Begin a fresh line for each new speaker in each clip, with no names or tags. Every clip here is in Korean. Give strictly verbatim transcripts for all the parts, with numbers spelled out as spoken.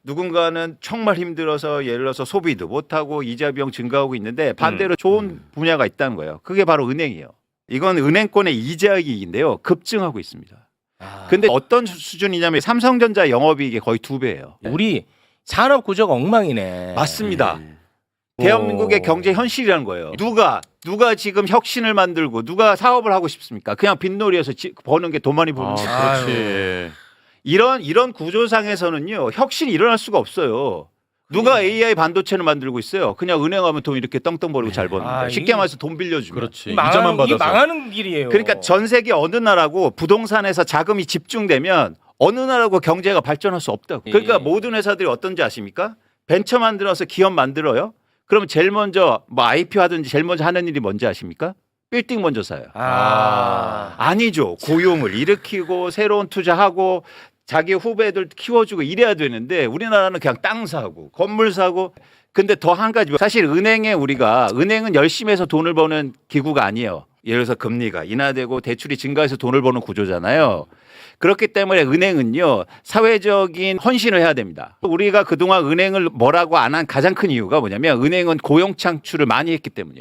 누군가는 정말 힘들어서 예를 들어서 소비도 못하고 이자 비용 증가하고 있는데 반대로
음.
좋은
음.
분야가 있다는 거예요. 그게 바로 은행이에요. 이건 은행권의 이자이익인데요. 급증하고 있습니다.
아.
근데 어떤 수준이냐면 삼성전자 영업이익이 거의 두 배예요.
우리 산업 구조가 엉망이네.
맞습니다.
네.
대한민국의
오.
경제 현실이라는 거예요. 누가 누가 지금 혁신을 만들고 누가 사업을 하고 싶습니까? 그냥 빈놀이에서 지, 버는 게 돈 많이 버는
아,
거.
그렇지.
이런 이런 구조상에서는요 혁신이 일어날 수가 없어요. 누가 에이아이 반도체를 만들고 있어요? 그냥 은행 가면 돈 이렇게 떵떵 버리고 잘 버는
아,
거예요. 쉽게
이-
말해서 돈 빌려주면.
그렇지.
망하는,
이자만
이게
받아서.
망하는 길이에요.
그러니까 전 세계 어느 나라고 부동산에서 자금이 집중되면 어느 나라고 경제가 발전할 수 없다고. 그러니까
예.
모든 회사들이 어떤지 아십니까? 벤처 만들어서 기업 만들어요. 그러면 제일 먼저 뭐 아이피오 하든지 제일 먼저 하는 일이 뭔지 아십니까? 빌딩 먼저 사요.
아.
아니죠. 고용을 일으키고 새로운 투자하고 자기 후배들 키워주고 이래야 되는데 우리나라는 그냥 땅 사고 건물 사고. 근데 더 한 가지 사실 은행에 우리가 은행은 열심히 해서 돈을 버는 기구가 아니에요. 예를 들어서 금리가 인하되고 대출이 증가해서 돈을 버는 구조잖아요. 그렇기 때문에 은행은요 사회적인 헌신을 해야 됩니다. 우리가 그동안 은행을 뭐라고 안 한 가장 큰 이유가 뭐냐면 은행은 고용 창출을 많이 했기 때문이에요.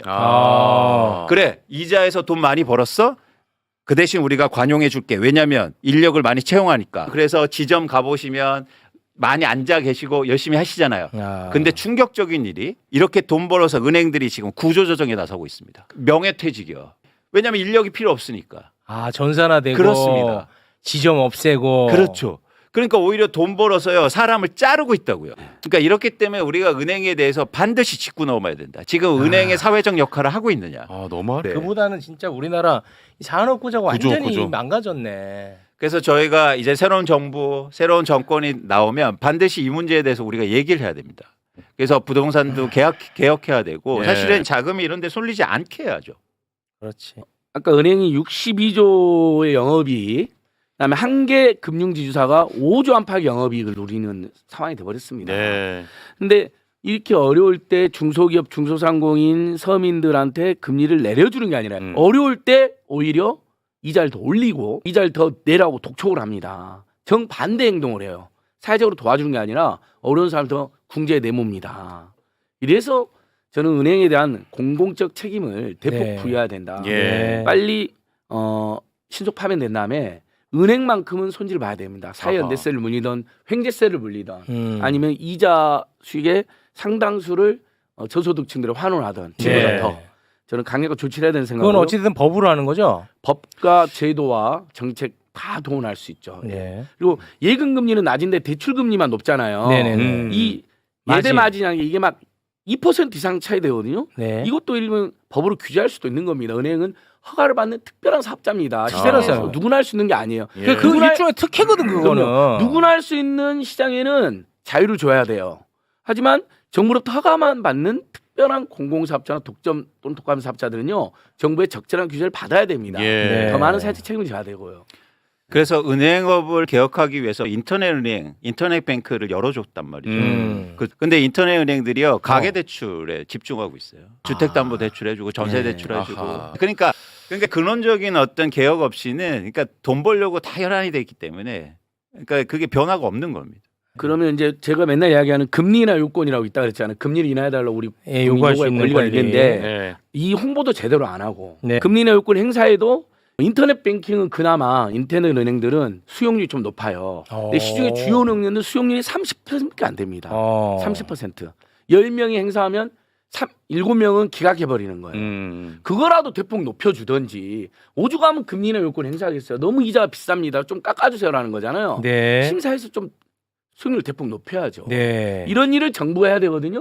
아.
그래 이자에서 돈 많이 벌었어? 그 대신 우리가 관용해 줄게. 왜냐하면 인력을 많이 채용하니까. 그래서 지점 가보시면 많이 앉아 계시고 열심히 하시잖아요.
아.
근데 충격적인 일이 이렇게 돈 벌어서 은행들이 지금 구조조정에 나서고 있습니다. 명예퇴직이요. 왜냐하면 인력이 필요 없으니까.
아 전산화되고
그렇습니다.
지점 없애고.
그렇죠. 그러니까 오히려 돈 벌어서요 사람을 자르고 있다고요. 그러니까 이렇기 때문에 우리가 은행에 대해서 반드시 짚고 넘어야 된다. 지금 은행의 사회적 역할을 하고 있느냐.
아, 너무
네.
그보다는 진짜 우리나라 이 산업 구조가
구조,
완전히
구조.
망가졌네.
그래서 저희가 이제 새로운 정부, 새로운 정권이 나오면 반드시 이 문제에 대해서 우리가 얘기를 해야 됩니다. 그래서 부동산도 개혁, 개혁해야 되고
예.
사실은 자금이 이런 데 쏠리지 않게 해야죠.
그렇지.
아까 은행이 육십이조의 영업이익, 그다음에 한 개 금융지주사가 오조 안팎의 영업이익을 누리는 상황이 돼버렸습니다.
네.
근데 이렇게 어려울 때 중소기업, 중소상공인, 서민들한테 금리를 내려주는 게 아니라
음.
어려울 때 오히려 이자를 더 올리고 이자를 더 내라고 독촉을 합니다. 정반대 행동을 해요. 사회적으로 도와주는 게 아니라 어려운 사람을 더 궁지에 내몹니다. 이래서 저는 은행에 대한 공공적 책임을 대폭
네.
부여해야 된다.
예.
빨리 어, 신속 파면된 다음에 은행만큼은 손질을 봐야 됩니다. 사회연대세를 물리던 횡재세를 물리던
음.
아니면 이자 수익의 상당수를 어, 저소득층들에 환원하던 지금보다
네.
더 저는 강력한 조치를 해야 되는
그건
생각으로
어찌든 법으로 하는 거죠.
법과 제도와 정책 다 동원할 수 있죠.
네.
그리고 예금 금리는 낮은데 대출 금리만 높잖아요.
네네네.
음.
이
마진.
예대 마진이라는 게 이게 막 이 퍼센트 이상 차이 되거든요.
네.
이것도 일면 법으로 규제할 수도 있는 겁니다. 은행은 허가를 받는 특별한 사업자입니다. 시세라서
아.
누구나 할 수 있는 게 아니에요.
예.
그
누구나
일종의 특혜거든 그거는.
그럼요. 누구나 할 수 있는 시장에는 자유를 줘야 돼요. 하지만 정부로부터 허가만 받는 특별한 공공사업자나 독점 또는 독감 사업자들은요 정부의 적절한 규제를 받아야 됩니다.
예.
네.
더 많은 사회적 책임을 져야 되고요.
그래서 은행업을 개혁하기 위해서 인터넷 은행, 인터넷 뱅크를 열어줬단 말이죠.
음.
그, 근데 인터넷 은행들이요 가계 대출에 집중하고 있어요. 주택담보 대출해주고 전세
네.
대출해주고.
아하.
그러니까 그러니까 근원적인 어떤 개혁 없이는 그러니까 돈 벌려고 다 혈안이 돼 있기 때문에 그러니까 그게 변화가 없는 겁니다.
그러면 이제 제가 맨날 이야기하는 금리나 요건이라고 있다 그랬잖아요. 금리를 인하해달라고 우리
예, 요구할 수
요구할
있는
권리가
권리.
있는데
네.
이 홍보도 제대로 안 하고
네.
금리나 요건 행사에도 인터넷 뱅킹은 그나마 인터넷 은행들은 수용률이 좀 높아요. 근데
어.
시중에 주요 은행들은 수용률이 삼십 퍼센트밖에 안 됩니다.
어.
삼십 퍼센트. 열 명이 행사하면 일곱 명은 기각해버리는 거예요.
음.
그거라도 대폭 높여주든지 오죽하면 금리나 요건 행사하겠어요. 너무 이자가 비쌉니다. 좀 깎아주세요라는 거잖아요.
네.
심사에서 좀 수용률 대폭 높여야죠.
네.
이런 일을 정부가 해야 되거든요.